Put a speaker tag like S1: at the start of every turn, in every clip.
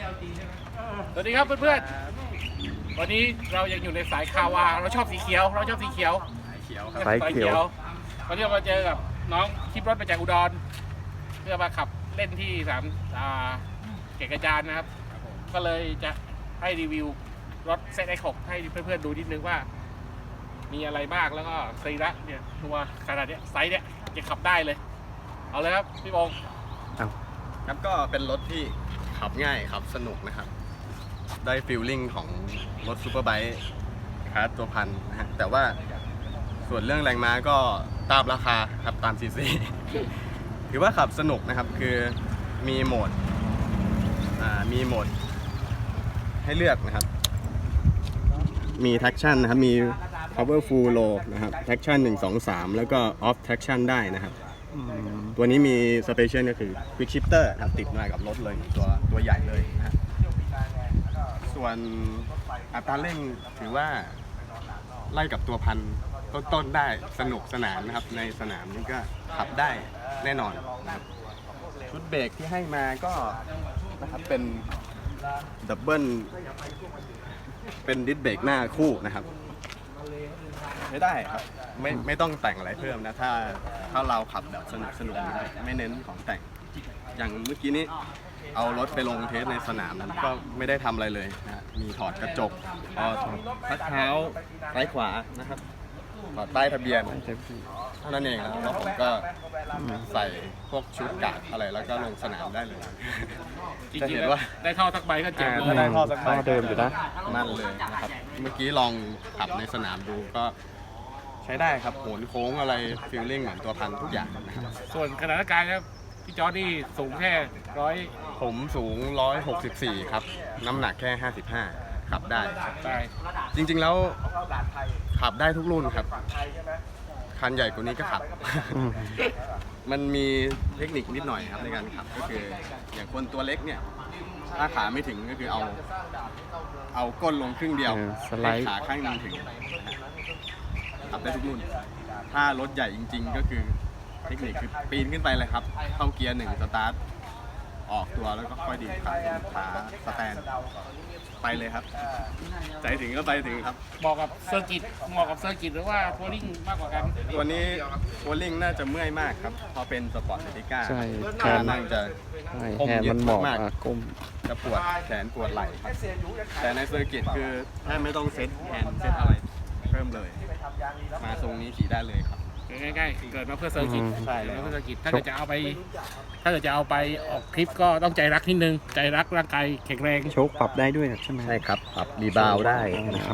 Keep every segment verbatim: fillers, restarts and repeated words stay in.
S1: สวัสดีครับเพื่อนๆวันนี้เรายังอยู่ในสายคาวาเราชอบสีเขียวเราชอบสีเขียว
S2: สายเขียว
S1: วันนี้เรามาเจอกับน้องขี่รถมาจากอุดรเพื่อมาขับเล่นที่สนามเกตกระจานนะครับก็เลยจะให้รีวิวรถ เซด เอ็กซ์ หก ให้เพื่อนๆดูนิดนึงว่ามีอะไรบ้างแล้วก็สรีระเนี่ยตัวขนาดเนี้ยไซส์เนี้ยจะขับได้เลยเอาเลยครับพี่บง
S3: ครับก็เป็นรถที่ขับง่ายขับสนุกนะครับได้ฟีลลิ่งของรถซูเปอร์ไบค์คลาสตัวพันนะฮะแต่ว่าส่วนเรื่องแรงม้าก็ตามราคาครับตามซีซี ถือว่าขับสนุกนะครับคือมีโหมดอ่ามีโหมดให้เลือกนะครับมี traction นะครับมี power full low นะครับ traction หนึ่ง สอง สามแล้วก็ off traction ได้นะครับตัวนี้มี special ก็คือ quick shifter นะครับติดมากับรถเลยตัวตัวใหญ่เลยนะฮะส่วนอัตราเร่งถือว่าไล่กับตัวพันต้นๆได้สนุกสนานนะครับในสนามนี้ก็ขับได้แน่นอนนะครับชุดเบรกที่ให้มาก็นะครับเป็นดับเบิลเป็นดิสเบรกหน้าคู่นะครับไม่ได้ครับไม่ไม่ต้องแต่งอะไรเพิ่มนะถ้าถ้าเราขับแบบสนุกสนุกไม่เน้นของแต่งอย่างเมื่อกี้นี้เอารถไปลงเทสในสนามนั้นก็ไม่ได้ทำอะไรเลยนะมีถอดกระจกถอดพักเท้าซ้ายขวานะครับถอดป้ายทะเบียนเท่านั้นเองแล้วแล้วผมก็ใส่พวกชุดกาดอะไรแล้วก็ลงสนามได้เลยจะเห็นว่า
S1: ได้ท่อสักใบก็เจ๋งเลย
S3: ได้ท่อสักใบ
S2: ท่อเดิมอยู่นะ
S3: นั่นเลยนะครับเมื่อกี้ลองขับในสนามดูก็ใช้ได้ครับโหนโค้งอะไรฟีลลิ่งเหมือนตัวพันทุกอย่างนะครับ
S1: ส่วนขนาดกายครับพี่จอร์ดนี่สูงแค่ร้อย
S3: ผมสูงหนึ่งร้อยหกสิบสี่ครับน้ำหนักแค่ห้าสิบห้าขับได้
S1: ได้
S3: จริงๆแล้วขับได้ทุกรุ่นครับคันใหญ่กว่านี้ก็ขับ มันมีเทคนิคนิดหน่อยครับในการขับก็คืออย่างคนตัวเล็กเนี่ยถ้าขาไม่ถึงก็คือเอาเอาก้นลงครึ่งเดียว
S2: เออสไลด์
S3: ให้ขาข้างหนึงถึงขับได้ทุกรุ่นถ้ารถใหญ่จริง ๆ ก็คือเทคนิคคือปีนขึ้นไปเลยครับเข้าเกียร์หนึ่งสตาร์ทออกตัวแล้วก็ค่อยดีดขาขาสแตนไปเลยครับใจถึงก็ไปถึงครับ
S1: เหมาะกับเซอร์กิตเหมาะกับเซอร์กิตหรือว่าทัวริงมากกว่ากัน
S3: ตัวนี้โวลลิ่งน่าจะเมื่อยมากครับพอเป็นสปอร์ตเอติก้า
S2: ใช่แข
S3: ขาน นั่งจะ
S2: ใช่แขนมันเหมาะอ่ะก้ม
S3: จะปวดแขนปวดไหล่ครับแต่ในเซอร์กิตคือแทบไม่ต้องเซ็ตแฮนด์เซ็ตอะไรเพิ่มเลย มาทรงนี้ขี่ได้เลยครับ
S1: ง่ายๆเกิดมาเพื่อเซอร์กิต
S2: อืม
S3: ใช่
S1: เกิด
S3: แล้ว
S1: มาเพื่อเซอร์กิตถ้าเกิดจะเอาไป ถ้าเกิดจะเอาไปออกคลิปก็ต้องใจรักนิดนึงใจรักร่างกายแข็งแรง
S2: โชคปรับได้ด้วยใช่ไหม
S3: ใช่ครับปรับรีบาวได้นะครับ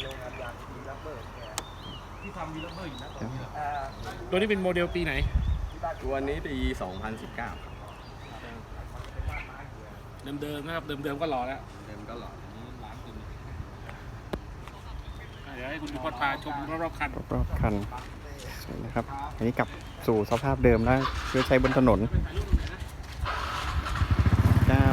S1: ตัวนี้เป็นโมเดลปีไหน
S3: ตัวนี้ปีสองพันสิบเก้าครับ
S1: เดิมๆนะครับเดิมๆก็รอแล้ว
S3: เดิมก็หล่อ
S1: เดี๋ยวให้คุณพิพจน์พาชมรอบๆคัน
S2: รอบๆคันสวยนะครับ อันนี้กลับสู่สภาพเดิมแล้วเพื่อใช้บนถนนเก้า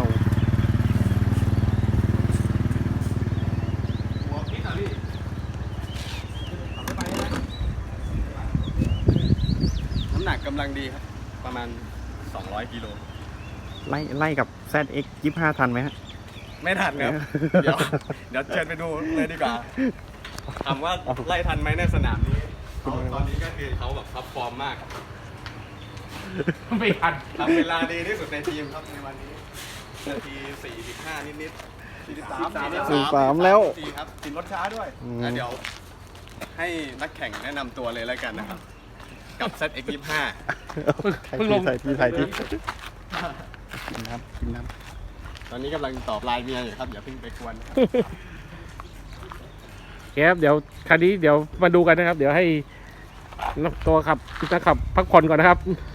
S3: น้ำหนักกำลังดีครับประมาณสองร้อยกิโล
S2: ไล่ไล่กับ แซด เอ็กซ์ ยี่สิบห้า ทันไหมฮะ
S3: ไม่ทันครับ เดี๋ยวเดี๋ยวเชิญไปดูเลยดีกว่าถามว่าไล่ทันไหมในสนามนี้เขาตอนนี้ก็คือเขาแบบท็อปฟอร์มมาก
S1: ไม่ทัน
S3: ทำเวลาดีที่สุดในทีมครับในวันนี้นาทีสี่สิบห้านิดๆสี่สิบสาม
S2: สี่สิบสามแล้ว
S3: สี่ครับติดรถช้าด้วย
S2: อืม
S3: แล้วเดี๋ยวให้นักแข่งแนะนำตัวเลยแล้วกันนะครับ กับ เซด เอ็กซ์ ยี่สิบห้า
S1: เพิ่งลง
S2: ใส่ที่ใส่ที่กินน้ำกินน้
S3: ตอนนี้กำลังตอบไลน์เมียอยู่ครับอย่าเพิ่งไปกวนนะครับ
S1: ครับเดี๋ยวคันนี้เดี๋ยวมาดูกันนะครับ เดี๋ยวให้ตัวขับจะขับพักผ่อนก่อนนะครับ